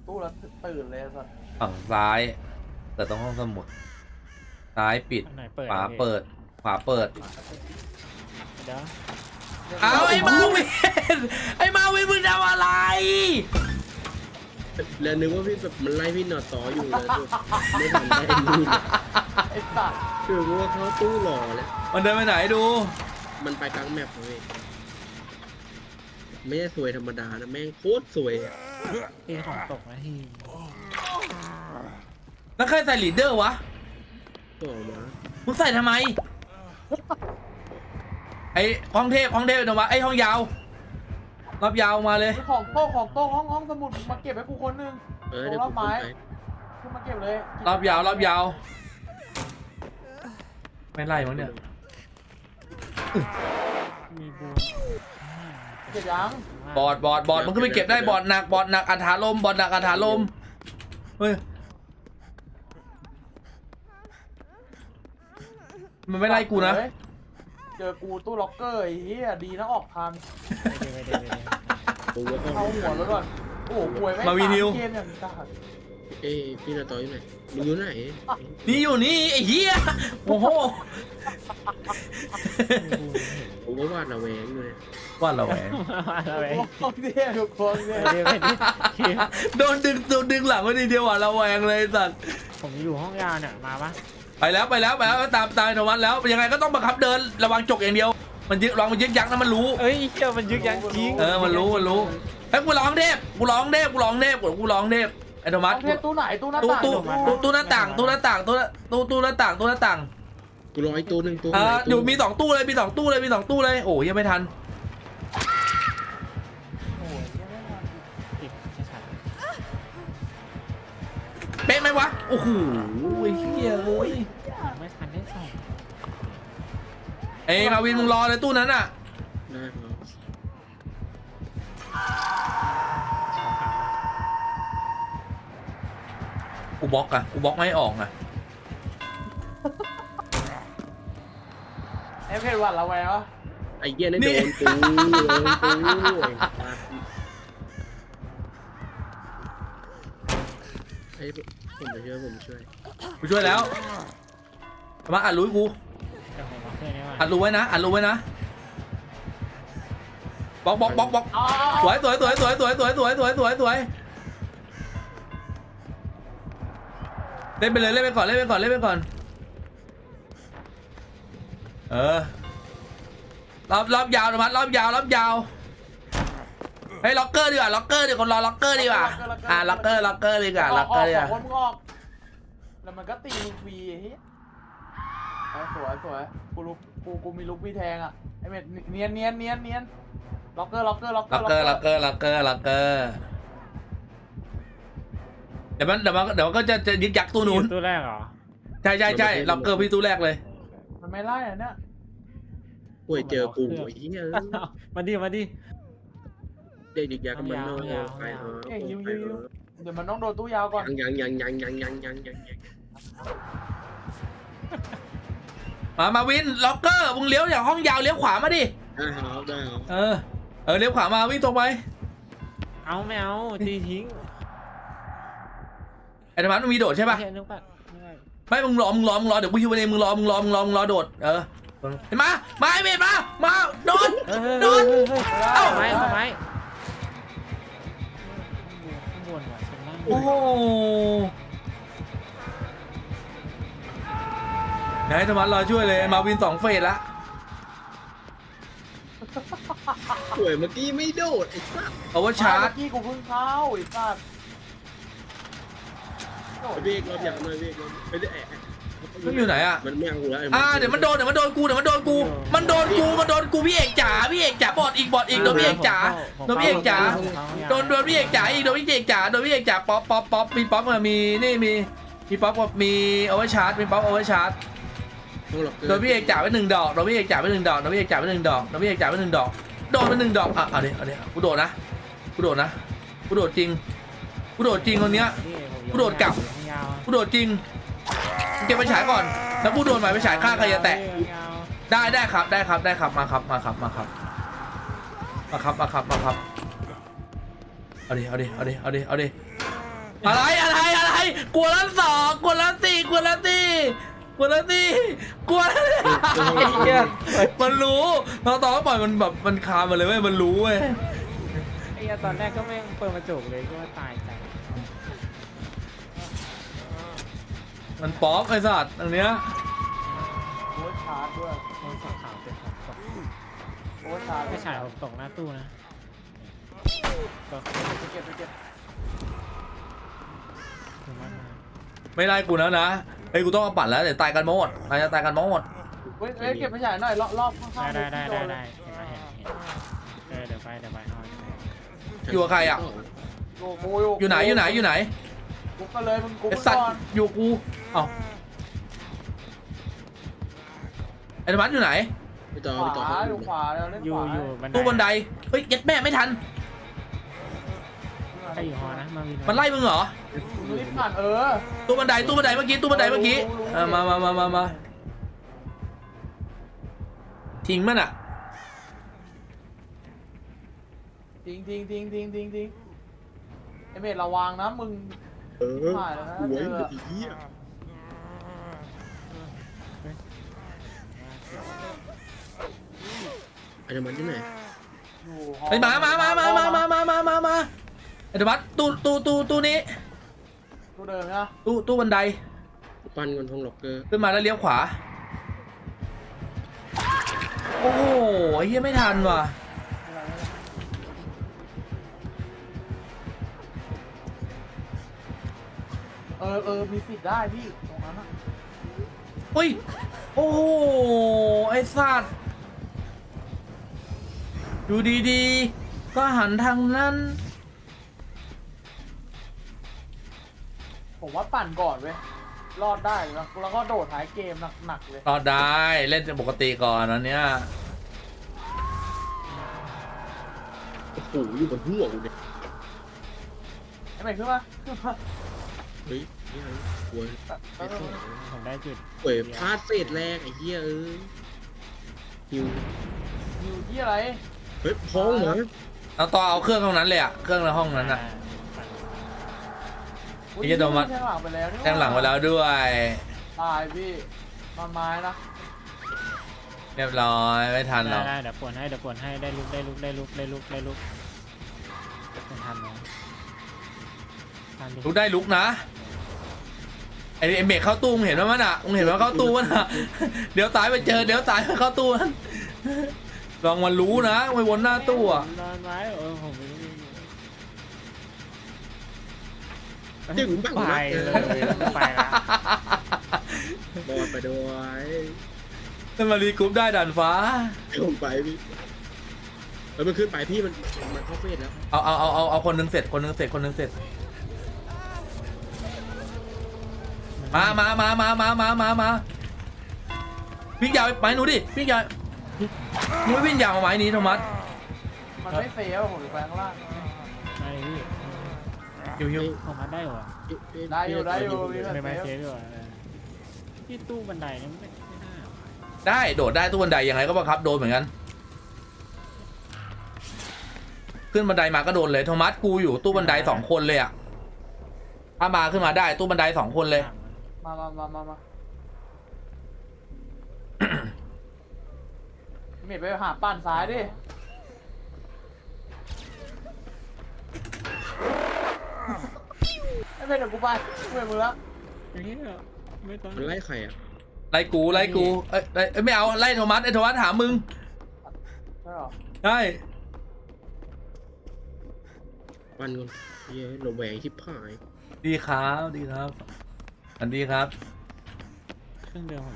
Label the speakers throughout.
Speaker 1: ตู้แล้วตื่นเลยสัส
Speaker 2: ฝั่งซ้ายเปิดตรงห้องสมุดซ้ายปิด
Speaker 3: อันไหนเปิด
Speaker 2: ขวาเปิดขวาเปิด
Speaker 3: เดี๋ยว
Speaker 2: เอาไอ้มาวินไอ้มาวินมึงทำอะไร
Speaker 4: แล้วนึกว่าพี่แบบมันไล่พี่หนอต่ออยู่เลยไม่ทันได้ดูเลย
Speaker 1: ไอ้สัส
Speaker 4: คือว่าเขาตู้หล่อแล้ว
Speaker 2: มันเดินไปไหนดู
Speaker 4: มันไปกลางแมปเลยไม่ใช่สวยธรรมดานะแม่งโคตรสวยอะ
Speaker 3: ตีของตกนะที
Speaker 2: แล้วใครใส่ลีดเดอร์วะ
Speaker 4: ต่อมา
Speaker 2: มึงใส่ทำไมไอ้ห้องเทพเดี๋ยววะไอ้ห้องยาวรอบยาวมาเลย
Speaker 1: มีของโต๊ะห้องสมุดมาเก็บให้กูคนนึง
Speaker 4: เดี๋ยวผมไป
Speaker 1: ขึ้นมาเก็บเลย
Speaker 2: รอบยาวไม่ไล่มั้งเนี่ย
Speaker 3: มีบู
Speaker 1: เก็บยัง
Speaker 2: บอดมันก็ไปเก็บได้บอดหนักอัฐาลมบอดหนักอัฐาลมเฮ้ยมันไม่ไล่กูนะ
Speaker 1: เจอกูตู้ล็อกเกอร์ไอ้เหี้ยดีนะออกทัน
Speaker 3: ไม่ได้
Speaker 4: ผมว่า
Speaker 1: เข้าหัวแล้วก่อนโอ้โหป่วยไม่
Speaker 2: มาวีนิว
Speaker 1: เกมอย่างนี้
Speaker 4: เอ้ยพี่หนอต่ออยู่ไหนมึงอยู่ไหน
Speaker 2: นี่อยู่นี่ไอ้เหี้ยโอ้โห
Speaker 4: ผมก็วาดระแวงอยู่เลย
Speaker 2: ว่าเราแหวง
Speaker 3: อะไร
Speaker 1: โอ้โหเท่ทุกคนเนี่ย
Speaker 3: เดี๋ยวคิว
Speaker 2: โดนดึงหลังไว้ทีเดียวอ่ะเราแหวงเลยสัตว์
Speaker 3: ผมอยู่ห้องยาวเนี่ยมาปะ
Speaker 2: ไปแล้วตามโนวันแล้วยังไงก็ต้องบังคับเดินระวังจกอย่างเดียวมันยึกยักนะมันรู้
Speaker 3: เอ้ยเชี่ยมันยึกยักจริง
Speaker 2: มันรู้เฮ้ยกูร้องเทพไอ้โนมัส
Speaker 1: เทพตู้ไหนตู้หน้าต่าง
Speaker 2: ตู้หน้าต่างตู้หน้าต่าง
Speaker 4: กูรอไอ้ตัวหนึ่งตัว
Speaker 2: อยู่มี2ตู้เลยโอ้ยังไม่ทัน
Speaker 1: โอ้ย
Speaker 3: ติดชัด
Speaker 2: เป๊ะไหมวะโอ้โหเฮียเอ้ย
Speaker 3: ไม่ทันได้ส่ง
Speaker 2: เอ้ยมาวินมึงรอเลยตู้นั้นอ่ะ
Speaker 4: ได้ครับ
Speaker 2: กูบล็อกไม่ออกอ่ะ
Speaker 1: ไอ้เพจวัดละแววะ
Speaker 4: ไอ้เหี้ยนั่นโดนกูไอ้ผมช่วย
Speaker 2: กูช่วยแล้วมาอัดรู้กู
Speaker 3: เดี๋ยวผมมาเครื่องนี้มา
Speaker 2: อัดรู้ไว้นะบล็อกสวยเล่นไปก่อนรอบยาวนะมัดรอบยาวเฮ้ยล็อกเกอร์ดีกว่าคนรอล็อกเกอร์ดีกว่าล็อกเกอร์ดีกว่า
Speaker 1: ออกคนมึงออกแล้วมันก็ตีมึงฟรีไอ้เหี้ยสวยกูมีลุกพี่แทงอ่ะไอ้เม็ดเนียนล็อกเกอร์
Speaker 2: เดี๋ยวมันก็จะยึกยักตู้นู้น
Speaker 3: ตู้แรกเหรอ
Speaker 2: ใช่ล็อกเกอร์พี่ตู้แรกเลย
Speaker 1: มันไม่ไล่อ่ะเนี่ย
Speaker 4: ป่วยเจอกูไอ้เหี้ย
Speaker 3: มาดิ
Speaker 4: เด็กยากันมันนอนไป
Speaker 1: เดี๋ยวมันต้องโดนตู้ยาวก่อน
Speaker 4: ยัง
Speaker 2: มาวินล็อกเกอร์มึงเลี้ยวอย่างห้องยาวเลี้ยวขวามาดิ
Speaker 4: ได้ครับ
Speaker 2: เลี้ยวขวามาวิ่งตรงไป
Speaker 3: เอาไม่เอาตีทิ้ง
Speaker 2: ไอ้ธรรมะมึงมีโดดใช่ป่ะ
Speaker 3: นึกป่ะ
Speaker 2: ไม่มึงรอเดี๋ยวกูฮิวไปเองมึงรอโดดเห็นมาไอ้เมดมาโดน เอ้า
Speaker 3: ไม้ข้างบนว่ะชั้นล่าง
Speaker 2: โอ้โหไหนธรรมะรอช่วยเลยมาวิน2 เฟสละ
Speaker 4: ป่วยเมื่อกี้ไม่โดดไอ้สัส
Speaker 2: เอาว่าชาร์จ
Speaker 1: กี้กูเพิ่งเข้าไอ้สัตว์
Speaker 4: เบรกรอบอย่างหน่อยเบรกไม่ได้
Speaker 2: มึงอยู่ไหนอ่ะ
Speaker 4: มันไม่เอาแล้ว
Speaker 2: เดี๋ยวมันโดนกูมันโดนกูพี่เอกจ๋าบอดอีกโดนพี่เอกจ๋าโดนพี่เอกจ๋าอีกโดนพี่เอกจ๋าป๊อปมีป๊อปมีนี่มีป๊อปกับมีเอาไว้ชาร์จมีป๊อปเอาไว้ชาร์จโดนพี่เอกจ๋าไป1 ดอกโดนพี่เอกจ๋าไป1 ดอกโดนไป1 ดอกโดนไป1 ดอกเอาดิกูโดดนะกูโดดจริงคนเนี้ยกูโดดกลับกูโดดจริงเก็บไปฉายก่อนแล้วกูโดนหมายไปฉายข้างใครจะแตะได้ครับมาครับเอาดิอะไรกลัวแล้ว2กลัวแล้ว4กลัวแล้ว4กลัวแล้ว4กลัวแล้วไอ้เหี้ยมันรู้ตอนปล่อยมันแบบมันคามาเลยเว้ยมันรู้เว้ย
Speaker 3: ไอ้เหี้ยตอนแรกก็ไม่เปิดกระจกเลยก็ว่าตายใจ
Speaker 2: มันป๊อปไอ้สัตว์ตรงเนี้ย
Speaker 1: โอ้ยชาร์จด้วย
Speaker 3: โดนสองขาวเป็นของตก
Speaker 1: โอ้ยชาร์จ
Speaker 3: ไม่ฉายผมตกหน้าตู้นะก็
Speaker 1: ไปเก็บ
Speaker 3: ถึงมันมา
Speaker 2: ไม่ไล่กูแล้วนะเฮ้ยกูต้องเอาปัดแล้วเดี๋ยวตายกันหมดเราจะตายกันหมด
Speaker 1: เฮ้ยเก็บไปฉายหน่อยรอบข้างๆ
Speaker 3: ได้
Speaker 1: ที่โน
Speaker 3: เห็นไหมเห็นเดี๋ยวไปเอา
Speaker 2: อยู่กับใครอ่ะ
Speaker 1: กู
Speaker 2: อยู่ไหน
Speaker 1: กูก็เลยมึงกู
Speaker 2: ไอ้
Speaker 1: ก่
Speaker 2: สัตว์
Speaker 1: อน
Speaker 2: อยู่กูเอ้าไอ้ธรรมะอยู่ไหน
Speaker 4: พี่ต่อ
Speaker 1: ขวาอยู่ขวาแล้วเล่น
Speaker 3: อ
Speaker 1: ข
Speaker 3: ยู่
Speaker 1: วา
Speaker 3: อยู่
Speaker 2: ตู้บันไดเฮ้ยเย็ดแม่ไม่ทัน
Speaker 3: ใครอยู่หอนะมาวิน
Speaker 2: มันไล่มึงเหรอ
Speaker 1: มึงรีบผ่าน
Speaker 2: ตู้บันไดเมื่อกี้มาทิ้งมันอ่ะ
Speaker 1: ทิ้งไอเมดระวังนะมึง
Speaker 4: หวยไอ้เหี้ยไอ้ธรรมะที่ไหน
Speaker 1: อยู่
Speaker 2: ไอ้มาไอ้ธรรมะตู้นี้
Speaker 1: กูเดินนะ
Speaker 2: ตู้บันได
Speaker 4: ปั้นกันทงล็อกเกอร์
Speaker 2: ขึ้นมาแล้วเลี้ยวขวาโอ้โหไอ้เหี้ยไม่ทันว่ะ
Speaker 1: มีสิทธิ์ได้พี่ตรงนั้นอะ
Speaker 2: อุ้ยโอ้โหไอ้สัตว์ดูดีๆก็หันทางนั้น
Speaker 1: ผมว่าปั่นก่อนเว้ยรอดได้แล้วก็โดดท้ายเกมหนักๆเลย
Speaker 2: รอดได้เล่นปกติก่อนอันเนี้ย
Speaker 4: โอ้โหอยู่บนหัวกูเนี่ย
Speaker 1: ไอเมดขึ้นมา
Speaker 4: เฮ้ยนี่ไงหวย
Speaker 3: ผมได้จุด
Speaker 4: หวยพลาดเศษแรกไอ้เหี้ยหิว
Speaker 1: อยู่ที่อะไร
Speaker 4: เฮ้ยพ้องเหรอ
Speaker 2: เอาต่อเอาเครื่องตรงนั้นเลยอะเครื่องในห้องนั้นอะ ไอ้เหี้ยโดนมัด
Speaker 1: แทงหลังไปแล้วนี่
Speaker 2: แทงหลังไว้แล้วด้วย
Speaker 1: ตายพี่มันไม้นะ
Speaker 2: เรียบร้อยไม่ทันหรอก
Speaker 3: ได้เดี๋ยวปวนให้ได้ลุกเป็นทันไหมทันดิ
Speaker 2: ลุกได้ลุกนะไอ้เมฆเข้าตู้มึงเห็นว่ามันอะมึงเห็นว่าเข้าตู้มันอะเดี๋ยวตายไปเจอเดี๋ยวตายไปเข้าตู้มันลองมันรู้นะไปวนหน้าตู้อะ
Speaker 3: นอนไว้ผมไม่รู้
Speaker 4: จึงบ้าง
Speaker 3: ไป
Speaker 4: นะ
Speaker 3: เลยไปละ
Speaker 4: บอลไปด้วย
Speaker 2: ถ้ามารีกรุ๊ปได้ดันฟ้า
Speaker 4: ลงไปพี่แล้วมันขึ้นไปพี่มันเข้าเฟสแล้ว
Speaker 2: เอาคนหนึงเสร็จมาวิ่งยาวไปหนูดิวิ่งยาวมึงไม่วิ่งยาวมาไม้นี้โทมัส
Speaker 1: มันไม่เฟลผมอยู่แปลงล่าง
Speaker 3: ไม่พี่
Speaker 2: หิว
Speaker 3: ผมมาได้เหรอ
Speaker 1: ได้อยู่มี
Speaker 3: ไม่
Speaker 1: แบบ
Speaker 3: เซ
Speaker 1: เฟ
Speaker 3: ฟ
Speaker 1: ล
Speaker 3: ดีกว่าที่ตู้บันไดนี่ไม่น่า
Speaker 2: ได้โดดได้ตู้บันไดยังไงก็บังคับโดนเหมือนกันขึ้นบันไดมาก็โดนเลยโทมัสกูอยู่ตู้บันได2 คนเลยอะถ้ามาขึ้นมาได้ตู้บันได2 คนเลย
Speaker 1: มาเมดไปหาปั่นซ้ายดิไอเมดเดี๋ยวกูไปเมื่อยมือแล้ว
Speaker 3: อย่างนี้ไม่ต้อง
Speaker 4: มันไล่ใครอ่ะ
Speaker 2: ไล่กูเอ้ยไม่เอาไล่โทมัสไอ้โทมัสหามึง
Speaker 1: ใช่หรอ
Speaker 2: ได้
Speaker 4: ปั้นก่อนเย้ระแวงชิบหาย
Speaker 2: ดีครับอันดีครับ
Speaker 3: เครื่องเดิมผม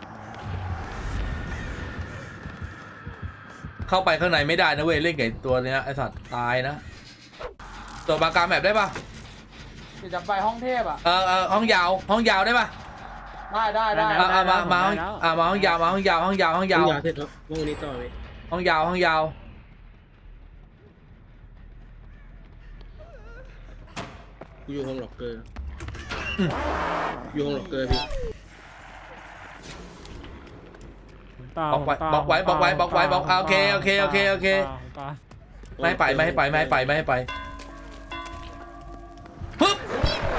Speaker 2: เข้าไปข้างในไม่ได้นะเว้ยเล่นกับตัวเนี้ยไอสัตว์ตายนะตัวปากกาแบบได้ปะ
Speaker 1: เดี๋ยวจะไปห้องเทพอ่ะ
Speaker 2: ห้องยาวได้ปะ
Speaker 1: ได้
Speaker 2: มาห้องยาว
Speaker 4: ห้องยาเสร็จแล้วห้องนี้ต่อเลย
Speaker 2: ห้องยาว
Speaker 4: กูอยู่ห้องล็อกเกอร์อยู่ห้องล็อกเกอร์พี่
Speaker 2: บอกไว้โอเคไม่ให้ไปปึ๊บ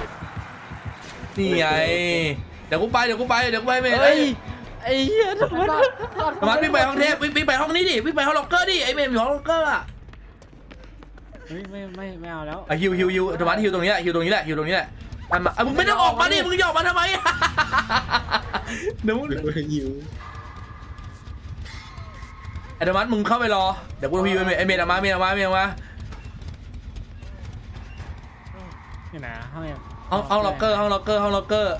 Speaker 2: นี่ไงเดี๋ยวกูไปเดี๋ยวกูไปเมย์
Speaker 3: เฮ้ยไอ้เหี้ยทำไม
Speaker 2: มาวิ่งไปห้องเทพวิ่งไปห้องนี้ดิวิ่งไปห้องล็อกเกอร์ดิไอเมย์อยู่ห้องล็อกเกอร์อะ
Speaker 3: เฮ้ยไม่เอาแล้ว
Speaker 2: ฮิวธรรมะฮิวตรงนี้แหละฮิวตรงนี้แหละมึงไม่ต้องออกมาดิมึงจะออกมาทำไมเดี๋ยว
Speaker 4: เป็นคนหิว
Speaker 2: ไอ้ธรรมะมึงเข้าไปรอเดี๋ยวกูฮิวไอเมย์ออกมาเมย์ออกมา
Speaker 3: นี่นะ
Speaker 2: ห้องล็อกเกอร์โดดมา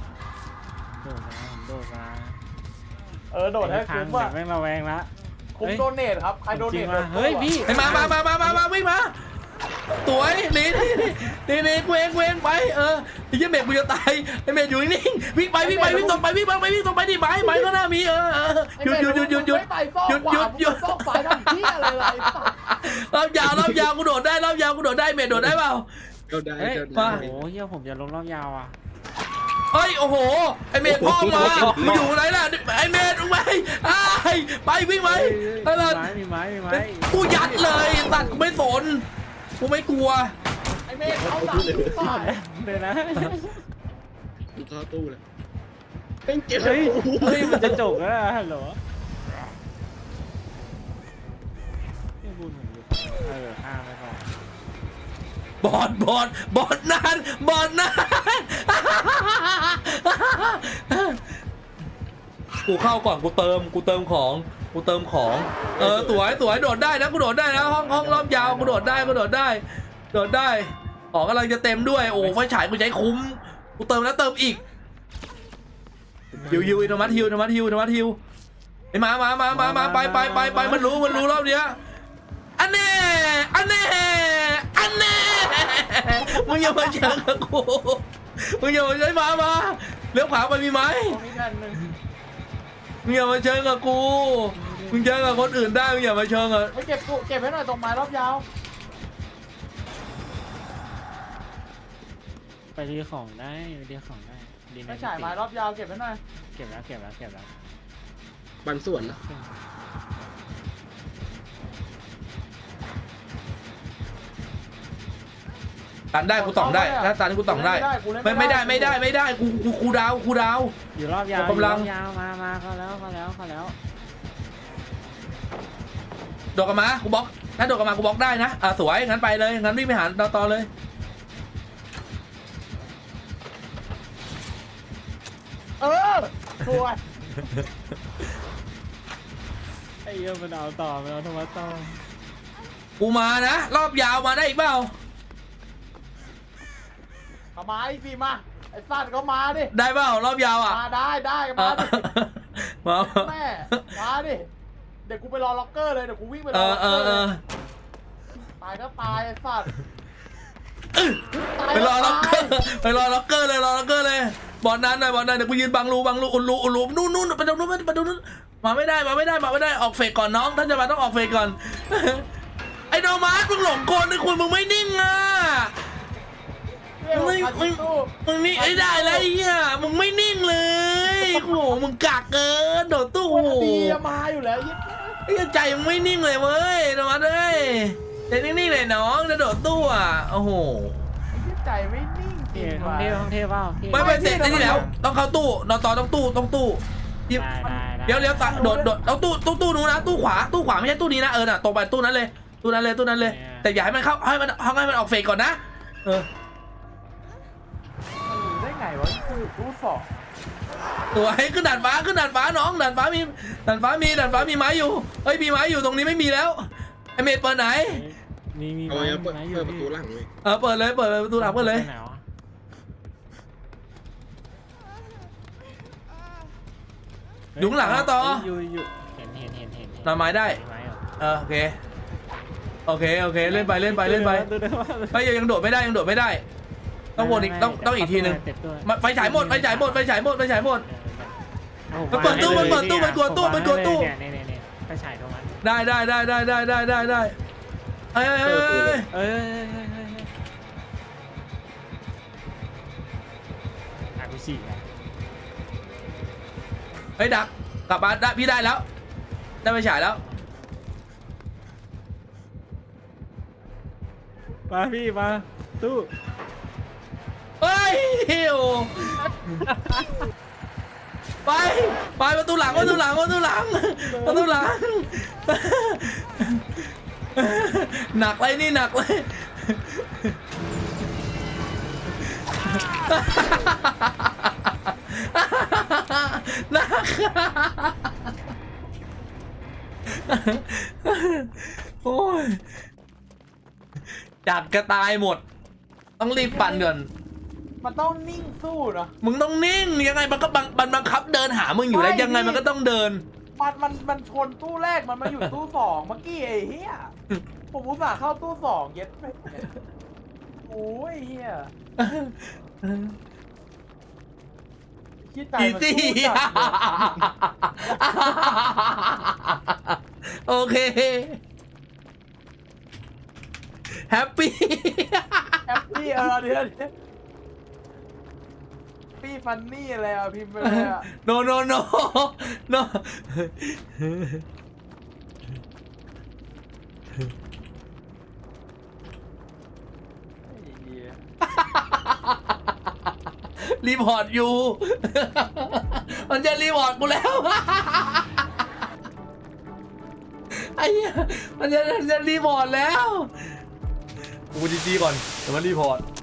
Speaker 1: โดดให้
Speaker 3: ทา
Speaker 1: คุ้
Speaker 3: ง
Speaker 1: มว่ะ
Speaker 3: แม่งระแวงละ
Speaker 1: คุ้มโดเนทครับใครโดเนท
Speaker 3: เฮ้ยพี่
Speaker 2: ไอ้มาวิ่งมาสวยนี่กูเองไปไอ้เหี้ยเมย์กูจะตายไอ้เมย์อยู่นิ่งวิ่งตรงไปดิไม้ก็น่ามีหยุด
Speaker 1: ซอกฝ่ายทำที่อะไร
Speaker 2: รอบยาวกูโดดได้เมย์โดดได้เปล่า
Speaker 4: เข้าได้
Speaker 3: เฮ้ย
Speaker 4: เข้า
Speaker 3: โอ้
Speaker 4: ได้
Speaker 3: โหเฮียผมจะลงรอบยาวอ่ะ
Speaker 2: เฮ้ยโอ้โหไอเมย์พ่อมามึงอยู่ไหนล่ะไอเมย์มึงไปวิ่งไหม
Speaker 3: มีไม้
Speaker 2: กูยัดเลยตัดกูไม่สนกูไม่กลัว
Speaker 1: ไอเมฆเขาดังฝ่าย
Speaker 3: เดี๋ยวนะ
Speaker 4: กูเข้าตู้เลยเป็นเจ็บ
Speaker 3: เฮ้ยมันจะจบแล้วฮัลโหลนี่บุญผมอยู่ข้ามไปก่อน
Speaker 2: บอดนานกูเข้าก่อนกูเติมของสวยโดดได้นะกูโดดได้นะห้องรอบยาวกูโดดได้ของกำลังจะเต็มด้วยโอ้ไฟฉายกูใช้คุ้มกูเติมแล้วเติมอีกฮิวธรรมะฮิวไอ้มาไปมันรู้รอบเนี้ยอันแน่มึงอย่ามาเชิงกับกูมึงอย่ามาใช้มาเลี้ยวขวาไปมีไหมมึงอย่ามาเชิงกับกูมึงเชิงกับคนอื่นได้มึงอย่ามาเชิงกับ
Speaker 1: ไม่เก็บให้หน่อยตรงไม้รอบยาว
Speaker 3: ไปดีของได้ดี
Speaker 1: ไม่ฉายไม้รอบยาวเก็บให้หน่อย
Speaker 3: เก็บแล้ว
Speaker 4: บางส่วนนะ
Speaker 2: ตันได้กูต่องได้ถ้าตันกูต่องได้ไม่ได้กูดาว
Speaker 3: อยู่รอบยาว
Speaker 2: กำลัง
Speaker 3: มาเข้าแล้ว
Speaker 2: โดดกลับมากูบล็อกถ้าโดดกลับมากูบล็อกได้นะสวยงั้นไปเลยงั้นวิ่งไปหาต่อเลย
Speaker 1: สวย
Speaker 3: ไอ้เหี้ยมันเอาต่อธรรมะต่อ
Speaker 2: กูมานะรอบยาวมาได้อีกเปล่า
Speaker 1: มาอีกทีมาไอ้สัตว์ก็มาดิ
Speaker 2: ได้เปล่ารอบยาวอ่ะ
Speaker 1: มาได้มาดิ
Speaker 2: มา
Speaker 1: แม่มาดิเดี๋ยวกูไปรอล็อกเกอร์เลยเดี๋ยวกูวิ่งไปรอล็อกเกอร์เลยตายก็ตายไอ้สัตว์
Speaker 2: ไปรอล็อกเกอร์เลยบอลนั้นหน่อยเดี๋ยวกูยืนบังรูอุ่นรูนู่นไปตรงนู้นมาไม่ได้ออกเฟกก่อนน้องท่านจะมาต้องออกเฟกก่อนไอ้โนมาร์มึงหลงกลนะคุณมึงไม่นิ่งอ่ะมึงนี่ไอ้ได้แล้วไอ้เหี้ยมึงไม่นิ่งเลยโอ้โหมึงกากเกินโดดตู้โอ้โห
Speaker 1: ดีมาอยู่แล้วยิ่ง
Speaker 2: ไอ้ใจมึงไม่นิ่งเลยเว้ยโนมาร์เอ้ยใจนิ่งๆเลยน้องจะโดดตู้อ่ะโอ้โห
Speaker 1: ใจไม่นิ่งจริง
Speaker 3: ห้อง
Speaker 1: ว่ะ
Speaker 3: เทพเปล่า
Speaker 2: ไม่เสร็จได้ที่แล้วต้องเข้าตู้นอนต่อต้องตู้เดี๋ยวตัดโดดเอาตู้นู้นนะตู้ขวาไม่ใช่ตู้นี้นะน่ะตรงไปตู้นั้นเลยแต่อย่าให้มันเข้าให้มันออกเฟกก่อนนะ
Speaker 1: ได้ไงวะคือรูดฟอก
Speaker 2: ตัวให้ขึ้นด่านฟ้าน้องด่านฟ้ามีไม้อยู่เฮ้ยมีไม้อยู่ตรงนี้ไม่มีแล้วไอเมดเปิดไหน
Speaker 3: มี
Speaker 4: เอาไว้เปิดประตูหลังเลย
Speaker 2: เปิดเลยประตูหลังเปิดเลยอยู่ข้างหลังนะต่อ
Speaker 3: อยู่เห็น
Speaker 2: นำไม้ได้โอเคเล่นไปไปยังโดดไม่ได้ต้องวนอีกต้องอีกทีนึงไฟฉายหมดเปิดตู้มันกลัวตู้
Speaker 3: ไปฉายตรงนั้น
Speaker 2: ได้เอ้ย
Speaker 3: กูฉีก
Speaker 2: เฮ้ยดักกลับมาได้พี่ได้แล้วได้ไปฉายแล้ว
Speaker 3: มาพี่มาตู้
Speaker 2: เฮ้โอ้ไปประตูหลังหนักเลยนี่หนักเลยหนักโอ้ยจัดกระตายหมดต้องรีบปั่นก่อน
Speaker 1: มันต้องนิ่งสู้เนาะ
Speaker 2: มึงต้องนิ่งยังไงมันก็บังคับเดินหามึงอยู่แล้วยังไงมันก็ต้องเดิน
Speaker 1: มันชนตู้แรกมันมาอยู่ตู้สองเมื่อกี้ไอ้เหี้ยผมอุตส่าห์เข้าตู้สองเย็ดไปโอ้ยเหี้ยคิดใจ
Speaker 2: อี
Speaker 1: มัน
Speaker 2: ตี้
Speaker 1: สู้จัดเลย
Speaker 2: โอเคแฮปปี้
Speaker 1: แฮปปี้เดี๋ยวปี้ฟันนี่อะไรอ่ะพิมพ์ไปเลยอ่ะ
Speaker 2: โน
Speaker 1: ไอ้เหี้ย
Speaker 2: รีพอร์ตอยู่ มันจะรีพอร์ตกูแล้ว ไอ้เหี้ยมันจะรีพอร์ตแล้วกูดีๆก่อนเดี๋ยวมันรีพอร์ต